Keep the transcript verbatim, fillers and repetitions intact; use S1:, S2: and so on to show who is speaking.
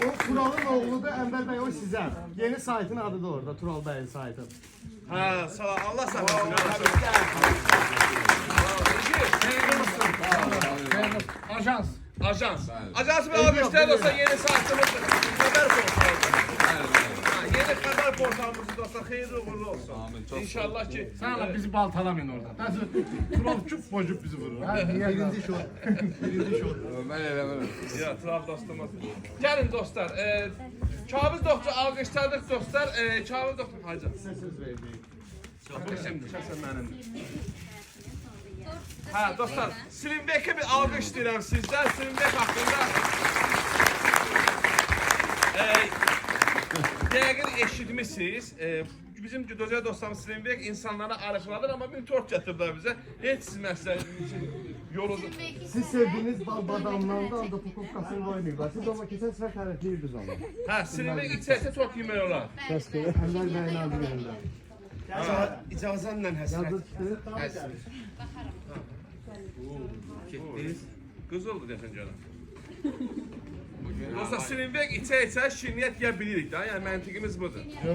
S1: O Tural'ın oğludur, Ənvər bəy o sizə. Yeni saytın adı da orada, Tural bəyin saytı.
S2: Ha, sağ ol. Allah sağ olsun.
S3: Ajans.
S2: Ajans. Ajans ve almışlar olsa yeni saatimiz haber portalı. Yeni haber portalımız olsa hayırlı uğurlu olsun. İnşallah ki.
S3: Sana bizi baltalamayın orada. Nasıl? Tural çup bocup bizi vurur.
S1: Birinci şok. Birinci şok.
S4: Ben eləmirəm.
S2: Ya Tural dostumuz. Gelin dostlar. E, Kavuz doktor alkışladık dostlar. E, Kavuz doktor hacı.
S1: Size söz verdik.
S2: Bu şimdi şahsen benim. Ha dostlar, Slimbek'e bir alkış dilerim sizden. Slimbek hakkında e, değerli eşitmişsiniz. E, bizim güzel dostlarımız Slimbek insanlara arıqladır ama bir tort getirdiler bize. Hiç siz mesela yolunuzu...
S1: Siz sevdiğiniz bal badamdan da anda pukovkasını oynayırlar. Siz ama keçən səfər tərifləyirdiniz onu.
S2: Ha, Slimbek içerse tort yemeyi olar.
S1: Ənvər bəyin adı yerində.
S5: İcazənlə həsrət.
S1: Yazı çıxdı.
S2: Kızıldı desin canım. Dostlar Slimbek içe içe şirniyyət yiyə bilirik da. Yani məntiqimiz budur.